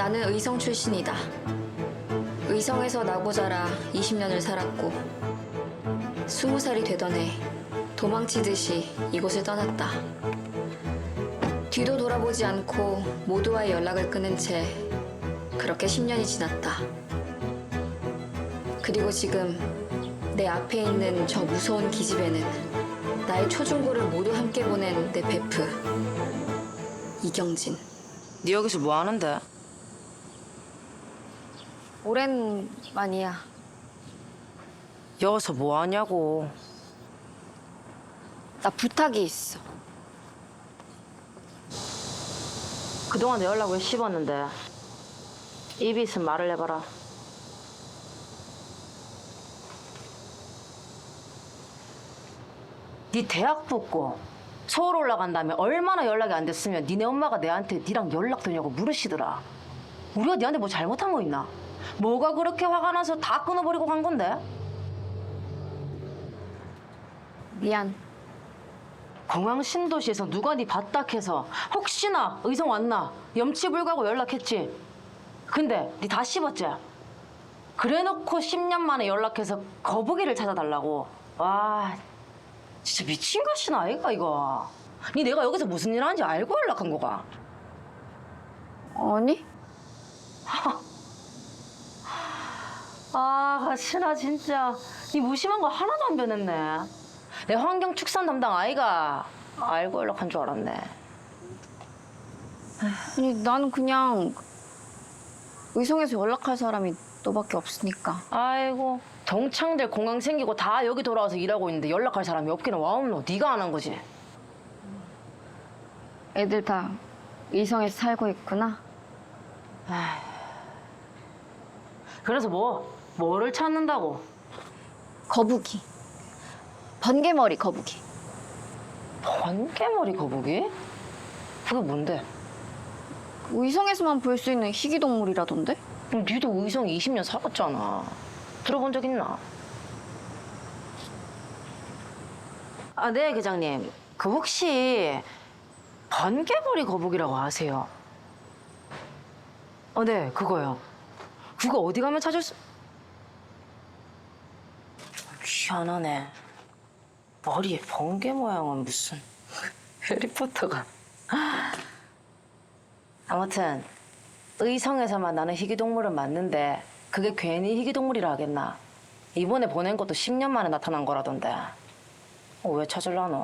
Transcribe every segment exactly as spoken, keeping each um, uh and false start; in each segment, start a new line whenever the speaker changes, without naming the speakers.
나는 의성 출신이다. 의성에서 나고 자라 이십 년을 살았고 스무 살이 되던 해 도망치듯이 이곳을 떠났다. 뒤도 돌아보지 않고 모두와의 연락을 끊은 채 그렇게 십 년이 지났다. 그리고 지금 내 앞에 있는 저 무서운 기집애는 나의 초중고를 모두 함께 보낸 내 베프 이경진.
네 여기서 뭐 하는데?
오랜만이야.
여기서 뭐 하냐고.
나 부탁이 있어.
그동안 내 연락 왜 씹었는데? 입이 있으면 말을 해봐라. 네 대학 붙고 서울 올라간 다음에 얼마나 연락이 안 됐으면 니네 엄마가 내한테 니랑 연락되냐고 물으시더라. 우리가 니한테 뭐 잘못한 거 있나? 뭐가 그렇게 화가 나서 다 끊어버리고 간 건데?
미안.
공항 신도시에서 누가 니 봤다 해서 혹시나 의성 왔나 염치불가고 연락했지. 근데 니 다 씹었지? 그래놓고 십 년 만에 연락해서 거북이를 찾아달라고. 와 진짜 미친 것이나 아이가 이거. 니 내가 여기서 무슨 일 하는지 알고 연락한 거가?
아니?
아 가시나 진짜. 니 무심한 거 하나도 안 변했네. 내 환경 축산 담당 아이가 알고 연락한 줄 알았네.
아니 나는 그냥 의성에서 연락할 사람이 너밖에 없으니까.
아이고 동창들 공항 생기고 다 여기 돌아와서 일하고 있는데 연락할 사람이 없기는 와없노. 네가 안 한 거지.
애들 다 의성에서 살고 있구나.
그래서 뭐? 뭐를 찾는다고?
거북이. 번개머리 거북이.
번개머리 거북이? 그게 뭔데?
의성에서만 볼 수 있는 희귀동물이라던데?
그럼 니도 의성 이십 년 살았잖아. 들어본 적 있나? 아, 네, 계장님. 그 혹시 번개머리 거북이라고 아세요? 어, 네, 그거요. 그거 어디 가면 찾을 수... 희한하네. 머리에 번개 모양은 무슨... 해리포터가... 아무튼 의성에서만 나는 희귀동물은 맞는데 그게 괜히 희귀동물이라 하겠나? 이번에 보낸 것도 십 년 만에 나타난 거라던데. 어, 왜 찾으려노?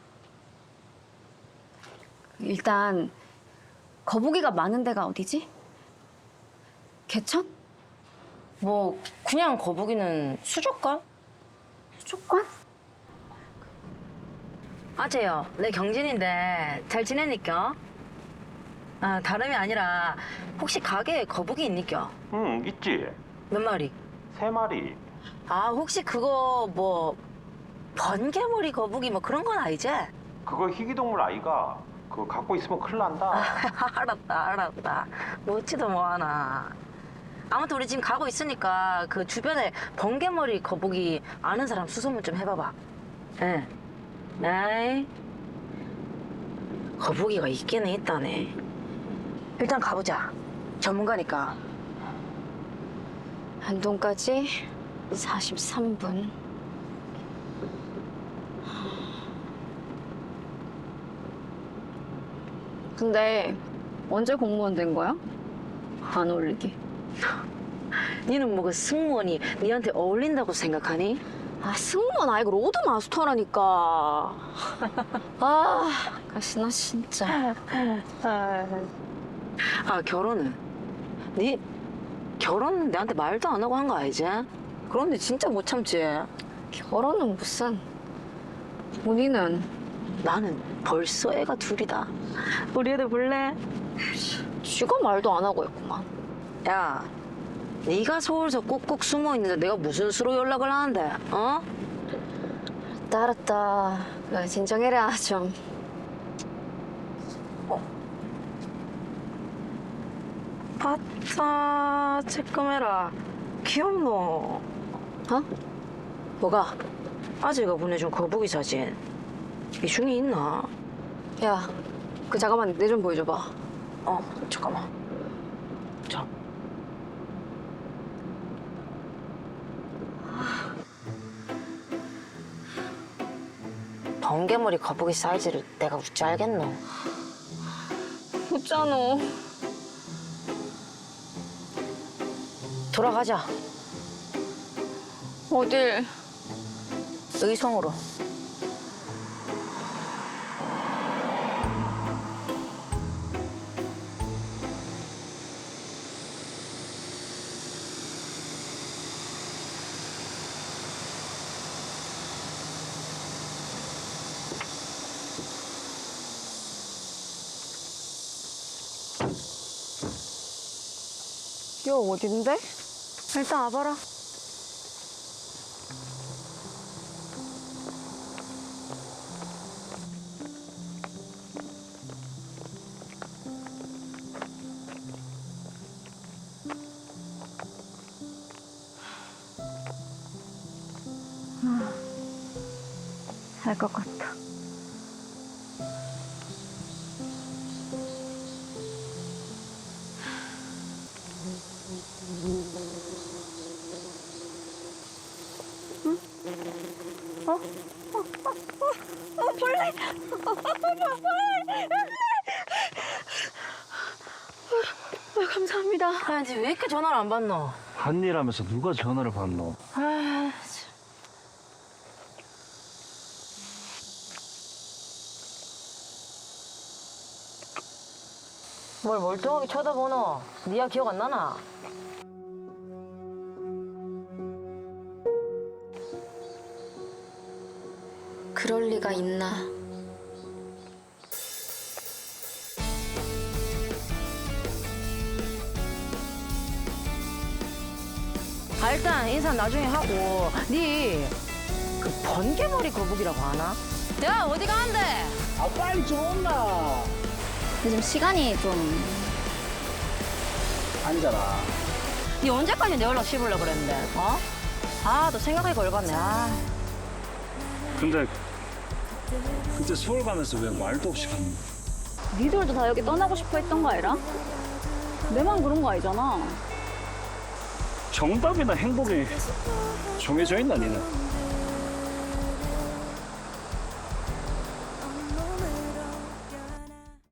일단 거북이가 많은 데가 어디지? 개천?
뭐 그냥 거북이는 수족관?
수족관?
아재요. 내 경진인데 잘 지내니까? 아 다름이 아니라 혹시 가게에 거북이 있니까?
응, 있지.
몇 마리?
세 마리.
아 혹시 그거 뭐 번개머리 거북이 뭐 그런 건 아니지?
그거 희귀동물 아이가. 그거 갖고 있으면 큰일 난다.
알았다 알았다. 묻지도 뭐하나. 아무튼 우리 지금 가고 있으니까 그 주변에 번개머리 거북이 아는 사람 수소문 좀 해봐봐. 응. 에이. 거북이가 있기는 있다네. 일단 가보자. 전문가니까.
안동까지 사십삼 분. 근데 언제 공무원 된 거야? 안 어울리게.
니는 뭐 그 승무원이 니한테 어울린다고 생각하니?
아 승무원 아니고 로드마스터라니까. 아 가시나 진짜.
아 결혼은? 니 결혼은 내한테 말도 안 하고 한 거 알지? 그런데 진짜 못 참지.
결혼은 무슨. 본인은
나는 벌써 애가 둘이다. 우리 애들 볼래?
쥐가 말도 안 하고 있구만.
야, 네가 서울서 꾹꾹 숨어 있는데 내가 무슨 수로 연락을 하는데? 어?
알았다 알았다. 야, 진정해라 좀.
바타 쬐끔해라. 귀엽노?
어? 뭐가?
아재가 보내준 거북이 사진. 이 중에 있나?
야, 그 잠깐만 내 좀 보여줘봐.
어, 잠깐만. 먹자. 번개머리 거북이 사이즈를 내가 어찌 알겠노?
웃잖아.
돌아가자.
어딜?
의성으로.
여 어딘데? 일단 와봐라. 알 것 같아. 감사합니다.
야, 이제 왜 이렇게 전화를 안 받노?
한 일 하면서 누가 전화를 받노?
아, 뭘 멀뚱하게 쳐다보노? 니야 기억 안 나나?
그럴 리가 있나?
아, 일단 인사 나중에 하고 니 그 번개머리 거북이라고 아나? 야, 어디 가는데?
아 빨리 좀 온나.
요즘 시간이 좀
앉아라.
니 언제까지 내 연락 씹으려고 그랬는데, 어? 아, 너 생각하기가 열받네. 아.
근데 그때 서울 가면서 왜 말도 없이 갔노?
니들도 다 여기 떠나고 싶어 했던 거 아니라? 내만 그런 거 아니잖아.
정답이나 행복이 정해져 있나 니는?